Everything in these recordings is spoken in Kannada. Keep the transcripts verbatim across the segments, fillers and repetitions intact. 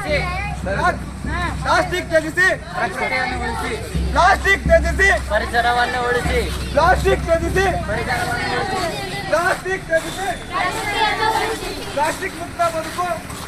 ಉಳಿಸಿ, ಪ್ಲಾಸ್ಟಿಕ್ ತ್ಯಜಿಸಿ, ಪ್ರಕೃತಿಯನ್ನು ಉಳಿಸಿ, ಪ್ಲಾಸ್ಟಿಕ್ ತ್ಯಜಿಸಿ, ಪರಿಸರವನ್ನು ಉಳಿಸಿ, ಪ್ಲಾಸ್ಟಿಕ್ ತ್ಯಜಿಸಿ, ಪರಿಸರವನ್ನು ಉಳಿಸಿ, ಪ್ಲಾಸ್ಟಿಕ್ ತ್ಯಜಿಸಿ, ಪ್ಲಾಸ್ಟಿಕ್ ಮುಕ್ತ ಬದುಕು.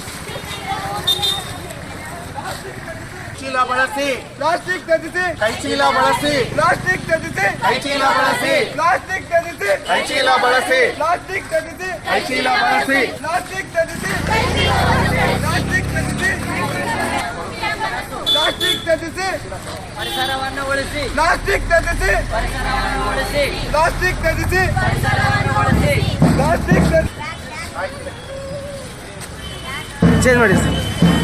ಚೀಲ ಬಳಸಿ, ಪ್ಲಾಸ್ಟಿಕ್ ತ್ಯಜಿಸಿ, ಕೈ ಚೀಲ ಬಳಸಿ, ಪ್ಲಾಸ್ಟಿಕ್ ತ್ಯಜಿಸಿ, ಕೈ ಚೀಲ ಬಳಸಿ, ಪ್ಲಾಸ್ಟಿಕ್ ತ್ಯಜಿಸಿ, ಕೈ ಚೀಲ ಬಳಸಿ, ಪ್ಲಾಸ್ಟಿಕ್ ತ್ಯಜಿಸಿ, ಕೈ ಚೀಲ ಬಳಸಿ, ಪ್ಲಾಸ್ಟಿಕ್ ತ್ಯಜಿಸಿ, ಪ್ಲಾಸ್ಟಿಕ್ ತ್ಯಜಿಸಿ, ಪ್ಲಾಸ್ಟಿಕ್ ತ್ಯಜಿಸಿ, ಪರಿಸರವನ್ನು ಉಳಿಸಿ, ಪ್ಲಾಸ್ಟಿಕ್ ತ್ಯಜಿಸಿ, ಪರಿಸರವನ್ನು ಉಳಿಸಿ, ಪ್ಲಾಸ್ಟಿಕ್ ತ್ಯಜಿಸಿ, ಪರಿಸರವನ್ನು ಉಳಿಸಿ. ಪ್ಲಾಸ್ಟಿಕ್ ತ್ಯಜಿಸಿ. ಚೇಂಜ್ ಮಾಡಿ ಸರ್.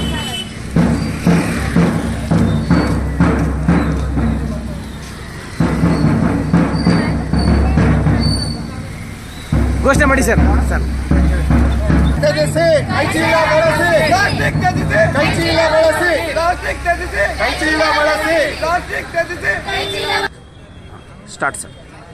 ಘೋಷಣೆ ಮಾಡಿ ಸರ್. ಸರ್ ತ್ಯಜಿಸಿ, ಕೈ ಚೀಲ ಬಳಸಿ, ಪ್ಲಾಸ್ಟಿಕ್ ತ್ಯಜಿಸಿ, ಕೈ ಚೀಲ ಬಳಸಿ, ಪ್ಲಾಸ್ಟಿಕ್ ತ್ಯಜಿಸಿ, ಕೈ ಚೀಲ ಬಳಸಿ, ಪ್ಲಾಸ್ಟಿಕ್ ತ್ಯಜಿಸಿ. Start sir.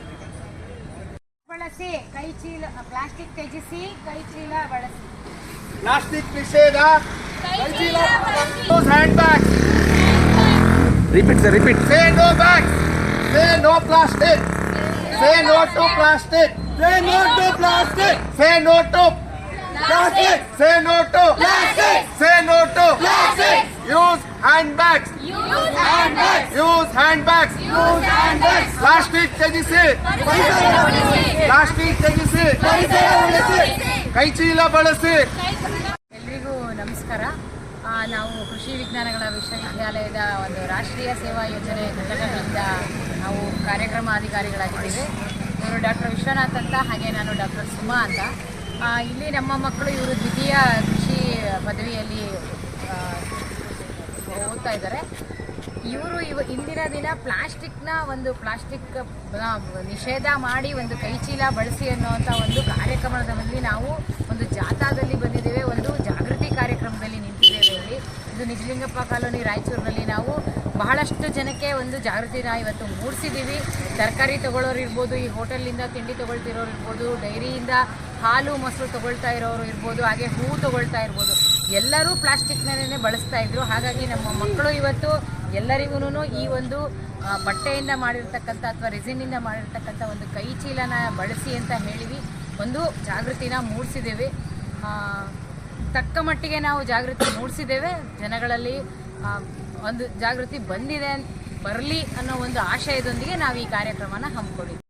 ಬಳಸಿ, ಕೈ ಚೀಲ, ಪ್ಲಾಸ್ಟಿಕ್ ತ್ಯಜಿಸಿ, ಕೈ ಚೀಲ ಬಳಸಿ. ಪ್ಲಾಸ್ಟಿಕ್ ನಿಷೇಧ, ಕೈ ಚೀಲ, use hand bag, repeat sir, repeat. Say no bag, say no plastic, say no to plastic, Say no to plastic. Say no to Plastic. Say no to Plastic. Say no to Plastic. Use hand bags, use hand bags, use hand bags, use hand bags. Plastic ತ್ಯಜಿಸಿ, ಪರಿಸರ ಉಳಿಸಿ, ಪ್ಲಾಸ್ಟಿಕ್ ತ್ಯಜಿಸಿ, ಪರಿಸರ ಉಳಿಸಿ. ಕೈ ಚೀಲ ಬಳಸಿ. ಎಲ್ರಿಗೂ ನಮಸ್ಕಾರ. ಆ, ನಾವು ಕೃಷಿ ವಿಜ್ಞಾನಗಳ ವಿಶ್ವವಿದ್ಯಾಲಯದ ಒಂದು ರಾಷ್ಟ್ರೀಯ ಸೇವಾ ಯೋಜನೆ ಘಟಕಗಳಿಂದ ನಾವು ಕಾರ್ಯಕ್ರಮ ಅಧಿಕಾರಿಗಳಾಗಿದ್ದೇವೆ. ಇವರು ಡಾಕ್ಟರ್ ವಿಶ್ವನಾಥ್ ಅಂತ, ಹಾಗೆ ನಾನು ಡಾಕ್ಟರ್ ಸುಮಾ ಅಂತ. ಆ, ಇಲ್ಲಿ ನಮ್ಮ ಮಕ್ಕಳು ಇವರು ದ್ವಿತೀಯ ಕೃಷಿ ಪದವಿಯಲ್ಲಿ ಆ, ಓದ್ತಾ ಇದ್ದಾರೆ. ಇವರು ಇವ ಇಂದಿನ ದಿನ ಪ್ಲಾಸ್ಟಿಕ್ನ ಒಂದು ಪ್ಲಾಸ್ಟಿಕ್ ನಿಷೇಧ ಮಾಡಿ ಒಂದು ಕೈಚೀಲ ಬಳಸಿ ಅನ್ನುವಂಥ ಒಂದು ಕಾರ್ಯಕ್ರಮದಲ್ಲಿ ನಾವು ಒಂದು ಜಾಥಾದಲ್ಲಿ ಬಂದಿದ್ದೇವೆ, ಒಂದು ಜಾಗೃತಿ ಕಾರ್ಯಕ್ರಮದಲ್ಲಿ ನಿಂತಿದ್ದೇವೆ. ಇಲ್ಲಿ ಇದು ನಿಜಲಿಂಗಪ್ಪ ಕಾಲೋನಿ ರಾಯಚೂರಿನಲ್ಲಿ ನಾವು ಬಹಳಷ್ಟು ಜನಕ್ಕೆ ಒಂದು ಜಾಗೃತಿನ ಇವತ್ತು ಮೂಡಿಸಿದ್ದೀವಿ. ತರಕಾರಿ ತೊಗೊಳ್ಳೋರು ಇರ್ಬೋದು, ಈ ಹೋಟೆಲಿಂದ ತಿಂಡಿ ತೊಗೊಳ್ತಿರೋರು ಇರ್ಬೋದು, ಡೈರಿಯಿಂದ ಹಾಲು ಮೊಸರು ತೊಗೊಳ್ತಾ ಇರೋರು ಇರ್ಬೋದು, ಹಾಗೆ ಹೂವು ತೊಗೊಳ್ತಾ ಇರ್ಬೋದು, ಎಲ್ಲರೂ ಪ್ಲಾಸ್ಟಿಕ್ನೇ ಬಳಸ್ತಾ ಇದ್ರು. ಹಾಗಾಗಿ ನಮ್ಮ ಮಕ್ಕಳು ಇವತ್ತು ಎಲ್ಲರಿಗೂ ಈ ಒಂದು ಬಟ್ಟೆಯಿಂದ ಮಾಡಿರ್ತಕ್ಕಂಥ ಅಥವಾ ರೆಸಿನಿಂದ ಮಾಡಿರ್ತಕ್ಕಂಥ ಒಂದು ಕೈ ಚೀಲನ ಬಳಸಿ ಅಂತ ಹೇಳಿವಿ ಒಂದು ಜಾಗೃತಿನ ಮೂಡಿಸಿದ್ದೇವೆ. ತಕ್ಕ ಮಟ್ಟಿಗೆ ನಾವು ಜಾಗೃತಿ ಮೂಡಿಸಿದ್ದೇವೆ. ಜನಗಳಲ್ಲಿ ಒಂದು ಜಾಗೃತಿ ಬಂದಿದೆ, ಬರಲಿ ಅನ್ನೋ ಒಂದು ಆಶಯದೊಂದಿಗೆ ನಾವು ಈ ಕಾರ್ಯಕ್ರಮನ ಹಮ್ಮಿಕೊಂಡಿದ್ದೀವಿ.